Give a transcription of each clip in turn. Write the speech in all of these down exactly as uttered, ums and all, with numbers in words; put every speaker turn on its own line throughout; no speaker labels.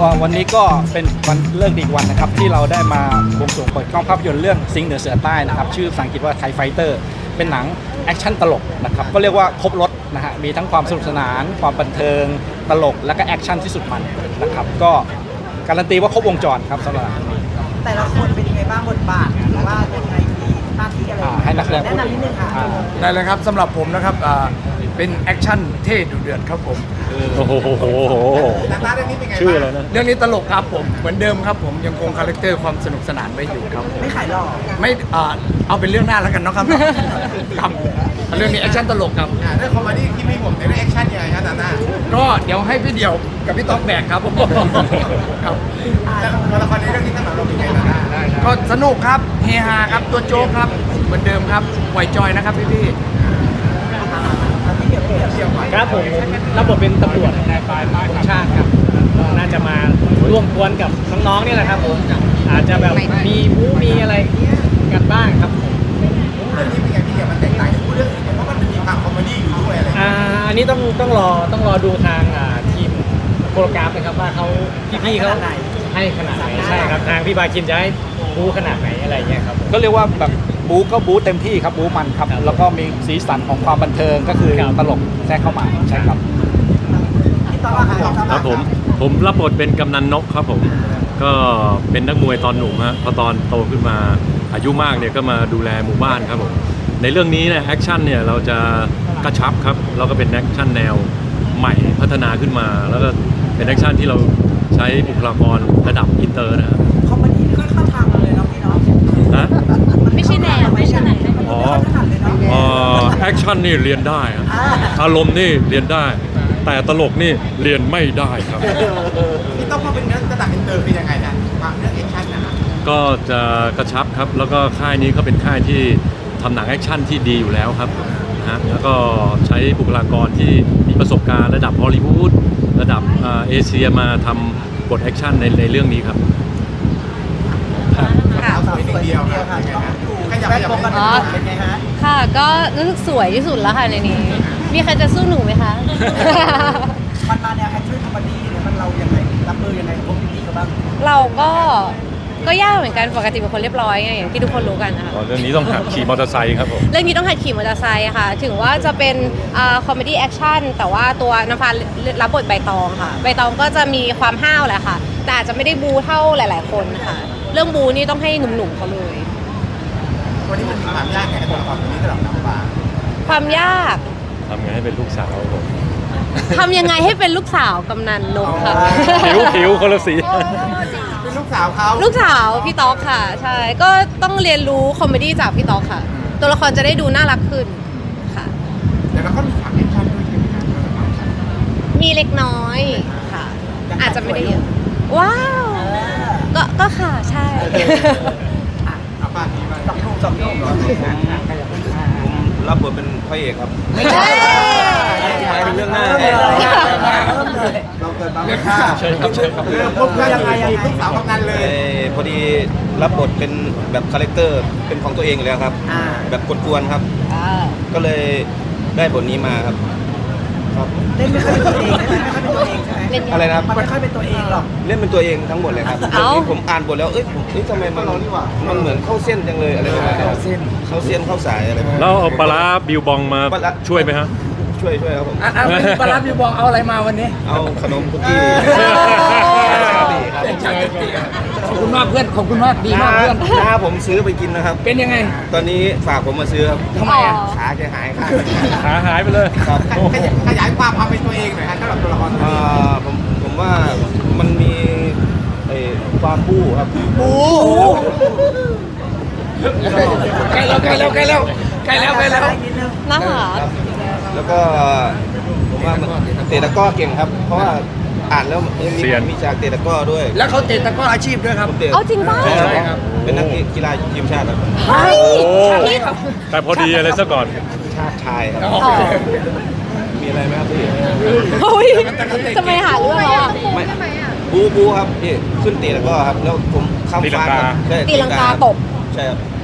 วันนี้ก็เป็นวันเลิกดีอีกวันนะครับที่เราได้มาบวงสรวงเปิดกล้องภาพยนตร์เรื่องสิงห์เหนือเสือใต้นะครับชื่อภาษาอังกฤษว่าไทไฟเตอร์เป็นหนังแอคชั่นตลกนะครับก็เรียกว่าครบรถนะฮะมีทั้งความสนุกสนานความบันเทิงตลกและก็แอคชั่นที่สุดมันนะครับก็การันตีว่าครบวงจรครับสำหรับนี้
แต่ละคนเป็นยังไงบ้างบทบาทหรือว่ายังไงมีหน้าที่อะไร
ให้นักแสดงพูด
แนะนำนิดนึงค่ะ
ได้เลยครับสำหรับผมนะครับเป็นแอคชั่นเท่ดุเดือดครับผม
โอ้โห
หน้าเรื่องนี้เป็นไง
ชื่ออะไรนะ
เรื่องนี้ตลกครับผมเหมือนเดิมครับผมยังคงคาแรคเตอร์ความสนุกสนานไว้อยู่ครับ
ไม่ขายหรอก
ไม่เอาเป็นเรื่องหน้าแล้วกันเนาะครับครับเรื่องนี้แอคชั่นตลกครับ
เรื่องคอมเมดี้ที่ไม่ห่วงแต่เรื่องแอคชั่นยังไงครับนาน่า
ก็เดี๋ยวให้พี่เดี่ยวกับพี่ต๊อกแบกครับผมครับ
ตัวละครในเรื่องนี้สำหรับเราเป็นไงนาน่า
ก็สนุกครับเฮฮาครับตัวโจ๊กครับเหมือนเดิมครับไหวจอยนะครับพี่พี่
ครับผมรับบทเป็นตำรวจนายปลายของชาติครับน่าจะมาร่วมกวนกับน้องๆนี่แหละครับผมอาจจะแบบมีมูมีอะไรกันบ้างครับผม
เรื่องนี้เป็นไงพี่เดี่ยวมันแตกต่างจากเรื่องอื่นเพราะมันมีความคอมเมดี้อยู่ด้วยอะไร
อ่าอันนี้ต้องต้องรอต้องรอดูทางอ่าทีมโปรแกรมนะครับว่าเขาพี่ๆเขาให้ขนาดไหนใช่ครับทางพี่บาคินจะให้บูขนาดไหนอะไรเงี้ยครับ
ก็เรียกว่าแบบบูก็บูเต็มที่ครับบูมันครับแล้วก็มีสีสันของความบันเทิงก็คือตลกแทรกเข้ามาใช่ครับ
ครับผมผมรับบทเป็นกำนันนกครับผมก็เป็นนักมวยตอนหนุ่มฮะพอตอนโตขึ้นมาอายุมากเนี่ยก็มาดูแลหมู่บ้านครับผมในเรื่องนี้เนี่ยแอคชั่นเนี่ยเราจะกระชับครับเราก็เป็นแอคชั่นแนวใหม่พัฒนาขึ้นมาแล้วก็เป็นแอคชั่นที่เราใช้บุคลากรระดับอินเตอร์นะครับ
คอมเมดี้นี่ก็เข้าทางเลยเนาะพี่เนาะ
นะ
ไม่ใช่แนวไม่ใช่แนว
อ๋ออ๋อแอคชั่นนี่เรียนได้ครับอารมณ์นี่เรียนได้แต่ตลกนี่เรียนไม่ได้ครับ
พี่ต้องมาเป็นเรื่องระดับอินเตอร์เป็นยังไงนะความเรื่องแอคชั่นนะ
ก็จะกระชับครับแล้วก็ค่ายนี้เขาเป็นค่ายที่ทำหนังแอคชั่นที่ดีอยู่แล้วครับนะฮะแล้วก็ใช้บุคลากรที่มีประสบการณ์ระดับฮอลลีวูดระดับเอเชียมาทำบทแอคชั่นในในเรื่องนี้ครับ
ค่ะสวยเดียวค่ะขยับขยับเป็นไงฮะ
ค่ะก็รู้สึกสวยที่สุดแล้วค่ะในนี้มีใครจะสู้หนูไหมคะ
มันมาแนวแอคชั่นคอมเมดี้เนี่ยมันเรายังไงรับมือยังไงกับพวกพี่ๆเขาบ้าง
เราก็ก็ยากเหมือนกันปกติเป็นคนเรียบร้อยไงอย่างที่ทุกคนรู้กันนะคะ
เรื่องนี้ต้องหัดขี่มอเตอร์ไซค์ครับผม
เรื่องนี้ต้องหัดขี่มอเตอร์ไซค์ค่ะถึงว่าจะเป็นคอมเมดี้แอคชั่นแต่ว่าตัวน้ำฟ้ารับบทใบตองค่ะใบตองก็จะมีความห้าวแหละค่ะแต่อาจจะไม่ได้บูเท่าหลายๆคนค่ะเรื่องบูนี่ต้องให้หนุ่มๆเขาเลย
วันนี้มันมีความยากไงตัวละครตัวนี้สำหรับน้ำฟ้า
ความยาก
ทำไงให้เป็นลูกสาวผม
ทำยังไงให้เป็นลูกสาวกำนันนกค่ะ
ผิวผิวคนละสี
เป็นลูกสาวเขา
ลูกสาวพี่ต๊อกค่ะใช่ก็ต้องเรียนรู้คอมเมดี้จากพี่ต๊อกค่ะตัวละครจะได้ดูน่ารักขึ้นค่ะ
แต่เราก็มีฉากแอคชั่นด้วยใช่ไหมครับ
มีเล็กน้อยค่ะอาจจะไม่ได้เยอะว้าวก็ก็ค่ะใช่
เอาป้าทีมาจับลูกจับลูก
รับบทเป็นพระเอกครับ
ไม่ใช่
เรื่องหน้า
เราเกิดมาไม่ฆ่า
เชิญครับเชิญครับ
เรื่องพวกเรื่องยังไงลูกสาวกำนันเลย
พอดีรับบทเป็นแบบคาแรคเตอร์เป็นของตัวเองอยู่แล้วครับแบบกวนๆครับก็เลยได้บทนี้มาครับ
เล่นไม่ค่อยเป็นตัวเองเล่นไม่ค่อยเป็นตัวเองใช่ไหม
อะไรนะ
มันไม่ค่อยเป็นตัวเองหรอก
เล่นเป็นตัวเองทั้งหมดเลยครับผมอ่านบทแล้วเอ้ยเอ้ยทำไมมันมันเหมือนเข้าเส้นจังเลยอะไรประมาณนี้เข้าเส้นเข้าเส้นเข้าสายอะไรประมาณนี้
แล้วเอาปลาร้าบิวบองมาช่วยไหมฮะ
ช่วยช่วยครับผม
ปลาร้าบิวบองเอาอะไรมาวันนี้
เอาขนมคุกกี้
ขอบคุณมากเพื่อนขอบคุณมากดีมากเพื่อน
น้าผมซื้อไปกินนะครับ
เป็นยังไง
ตอนนี้ฝากผมมาซื้อครับ
ทำไมอ่ะ
ขาแกหายขา
ขาหายไปเลย
ครับ
ขยายความความเป็นตัวเองหน่อยครับสำหรับตัวละครตัวนี้
ผมผมว่ามันมีความบู๊ครับ
บู๊
ใกล้แล้วใกล้แล้วใกล้แล้วใกล้แล้วใกล้แล้ว
นะคะ
แล้วก็ผมว่าเตะตะก้อเก่งครับเพราะว่าอ่านแล้วมีมีจากเตะตะก้อด้วย
แล้วเขาเตะตะก้ออาชีพด้วยครับ
เอาจริงป่ะ
ใช่ครับเป็นนักกีฬาทีมชาติครับ
แต่พอดีอะไรซะก่อน
ชาติชายครับมีอะไรไหมครับพี่
เฮ้ยจะไม่หาเรื่องอ่ะ
ไม่บูบูครับพี่ขึ้นเตะตะก้อครับแล้วผมข้ามฟ้า
ตีลังกาตบ
ใช่ครับ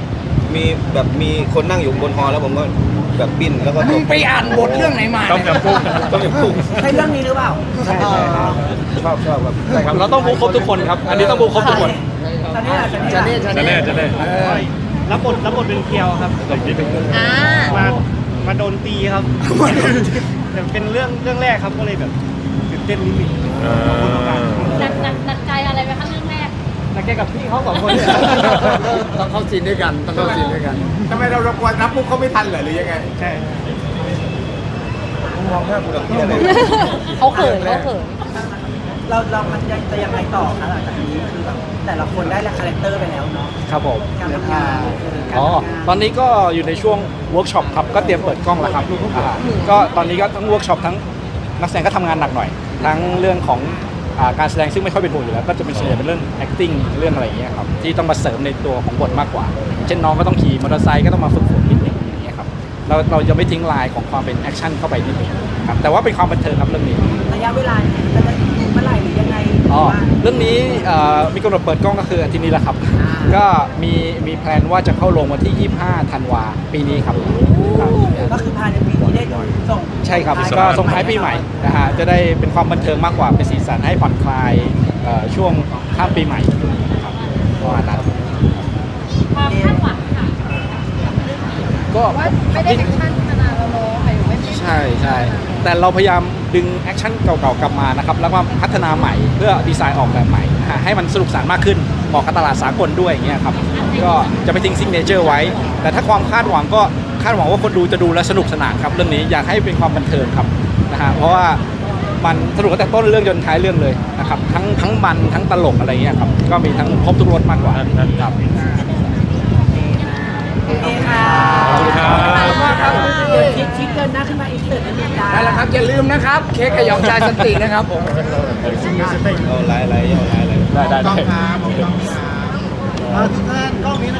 มีแบบมีคนนั่งอยู่บนฮอแล้วผมก็แบบปิ้นแล้วก็ต
มึง
ก
ไปอ่านบทเรื่องไหนมา
ต้มยำกุ้ง
ต้มยำกุ้ง
ใช่เรื่องนี้หรือเปล่า
ใช่ใช่ครับ
ชอบชอบครับ
ใช่ครับเราต้องบูครบทุกคนครับ อันนี้ต้องบูครบทุกคน
จะเนี่ยจะ
จะ
เนี่
เนี่ย ยจะ
จะ
เนี่
แน่
ย
จะแน่
รับบทรับบทเป็นเคียวครับ
อ่า
มามาโดนตีครับแต่เป็นเรื่องเรื่องแรกครับก็เลยแบบตื่นเต้นนิดนึง
อ่า
หนักหนักหนักใจอะไรไหมคะเรื่องแรก
นักแกกับพี่เขาสองคนเนี่ย
ต้องเข้าซีนด้วยกันต้องเข้าซีนด้วยกัน
ทำไมเราเรากลัวรับมุกเขาไม่ทันเหรอหรือยังไง
ใช่
ผมมองหน้าคุณแบบนี้อะไร
เขาเขินเขาเขิน
เราเรามันจะจะยังไงต่อคะหลังจากนี้คือแบบแต่ละคนได้ละคาแรคเตอร์ไปแล้วเนาะ
ครับผม
การทำงานการ
อ๋อ
ทำงาน
ตอนนี้ก็อยู่ในช่วงเวิร์กช็อปครับ ก็เตรียมเปิดกล้องแล้วครับอ่าก็ตอนนี้ก็ทั้งเวิร์กช็อปทั้งนักแสดงก็ทำงานหนักหน่อย ทั้งเรื่องของอ่าการแสดงซึ่งไม่ค่อยเป็นห่วงอยู่แล้ว ก็จะเป็นส่วนใหญ่เป็นเรื่อง acting เรื่องอะไรอย่างเงี้ยครับ ที่ต้องมาเสริมในตัวของบทมากกว่า เช่นน้องก็ต้องขี่มอเตอร์ไซค์ก็ต้องมาฝึกฝนนิดนึงอย่างเงี้ยครับ เราเราจะไม่ทิ้งลายของความเป็นแอคชั่นเข้าไปนิดนึงครับ แต่ว่าเป็นความบันเทิงครับเรื่องนี้
ระยะเวลาเนี่ยจะได้เมื่อไหร่หรือยังไง
อ๋อ
ว่า
เรื่องนี้เอ่อมีกำหนดเปิดกล้องก็คืออาทิตย์นี้แหละครับ
อ่า
ก็มีมีแพลนว่าจะเข้าลงวันที่ ยี่สิบห้า ธันวาปีนี้ครับครับ
ก็คือภายในปีนี้ได้ส่ง
ใช่ครับ
ท้าย
ก็ส่งท้ายปีใหม่นะฮะ จะได้เป็นความบันเทิงมากกว่า เป็นสีสันให้ผ่อนคลายเอ่อช่วงข้ามปีใหม่ครับประมาณนั้น
ความคาดหวังค่ะ
ก็
ว่าไม่ได้แอคชั่นขนาดเราโน้หมายถึงไม่ได้
ใช่ใช่แต่เราพยายามดึงแอคชั่นเก่าๆกลับมานะครับ แล้วก็พัฒนาใหม่เพื่อดีไซน์ออกแบบใหม่นะฮะให้มันสนุกสนานมากขึ้นเหมาะกับตลาดสากลด้วยอย่างเงี้ยครับ ก็จะไม่ทิ้งซิกเนเจอร์ไว้ แต่ถ้าความคาดหวังก็คาดหวังว่าคนดูจะดูและสนุกสนานครับเรื่องนี้อยากให้เป็นความบันเทิงครับนะฮะเพราะว่ามันสนุกตั้งแต่ต้นเรื่องจนท้ายเรื่องเลยนะครับทั้งทั้งมันทั้งตลกอะไรเงี้ยครับก็มีทั้งครบทุกรสมากกว่าครับ
โอเคค่ะ
ขอบคุณครับ
ครับเดี๋ยวชิคชิคเกินหน้าขึ้นมาอีกเสิร์ตนิดนึงจ้า
นั่นแหละครับอย่าลืมนะครับ เค้กกับหยองชายสันตินะครับผม
เอาไลน์ไลน์เอาไลน์ไลน์
ได้ได้
ต้อง
ได้
ครับผมต้องครับทุกท่านกล้องนี้นะ